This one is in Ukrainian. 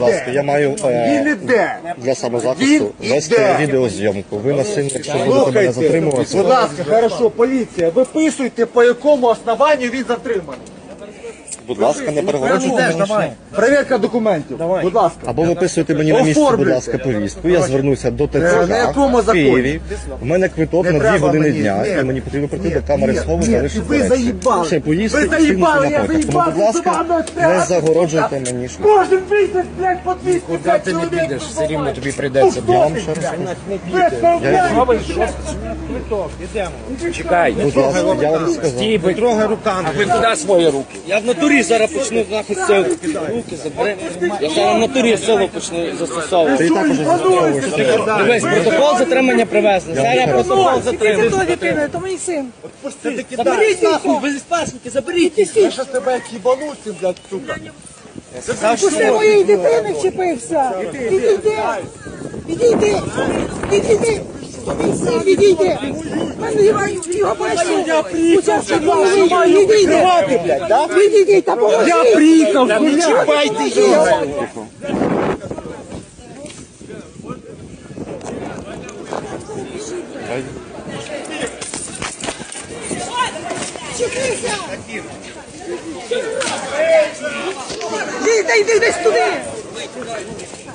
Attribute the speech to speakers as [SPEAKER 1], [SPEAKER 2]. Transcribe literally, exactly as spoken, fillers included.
[SPEAKER 1] Будь ласка, я маю
[SPEAKER 2] Він
[SPEAKER 1] е,
[SPEAKER 2] іде.
[SPEAKER 1] для самозахисту
[SPEAKER 2] Він
[SPEAKER 1] вести
[SPEAKER 2] іде.
[SPEAKER 1] відеозйомку. Ви насильно, якщо будете мене
[SPEAKER 2] Слухайте,
[SPEAKER 1] затримувати,
[SPEAKER 2] будь ласка, хорошо, поліція, виписуйте, по якому основанню він затриманий.
[SPEAKER 1] будь ласка, не перегороджуйте мені.
[SPEAKER 2] Перевірка документів, будь ласка.
[SPEAKER 1] Або виписуйте мені на місці, будь ласка, повістку. Я звернуся до
[SPEAKER 2] на
[SPEAKER 1] ТЦК
[SPEAKER 2] якому
[SPEAKER 1] в
[SPEAKER 2] законі?
[SPEAKER 1] Києві. У мене квиток
[SPEAKER 2] Не
[SPEAKER 1] на дві
[SPEAKER 2] треба
[SPEAKER 1] години
[SPEAKER 2] мені,
[SPEAKER 1] дня,
[SPEAKER 2] ні.
[SPEAKER 1] і мені потрібно прийти
[SPEAKER 2] Ні,
[SPEAKER 1] до камери
[SPEAKER 2] ні,
[SPEAKER 1] схову
[SPEAKER 2] ні,
[SPEAKER 1] залишити
[SPEAKER 2] ви
[SPEAKER 1] речі.
[SPEAKER 2] заїбали.
[SPEAKER 1] Ще поїсти
[SPEAKER 2] Ви
[SPEAKER 1] і кинути
[SPEAKER 2] заїбали,
[SPEAKER 1] на
[SPEAKER 2] я
[SPEAKER 1] потяг. Тому, будь
[SPEAKER 2] заїбав,
[SPEAKER 1] ласка,
[SPEAKER 2] заїбав,
[SPEAKER 1] не загороджуйте мені шлях.
[SPEAKER 2] Кожен місяць, блядь, по двісті
[SPEAKER 3] Куди ти не підеш, все рівно тобі прийдеться.
[SPEAKER 1] Я вам ще раз
[SPEAKER 3] Чекай,
[SPEAKER 1] будь ласка, я вам сказав.
[SPEAKER 3] стій, ви трогай руками. А ви куди свої руки?
[SPEAKER 4] Я в натурі зараз почну нахуй силу. Руки забери. Я зараз в натурі силу почну застосовувати.
[SPEAKER 1] Ти також застосовуєш.
[SPEAKER 4] Дивись, протокол затримання привезли. Зараз протокол затримання.
[SPEAKER 5] Хто дитина? То мій син.
[SPEAKER 4] Заберіть нахуй, ви спасники, заберіть.
[SPEAKER 2] Я щас тебе як їбану цим, блядь, сука.
[SPEAKER 5] Пусти моєї дитини вчепився. Відійди. Відійди. Відійди. Відійди. Мене його бачив. Учасно голови. Відійди. Відійди та поможи.
[SPEAKER 2] Я приїхав,
[SPEAKER 5] Не
[SPEAKER 2] чіпайте
[SPEAKER 5] його. Вчепися. Йди, йди, йди туди.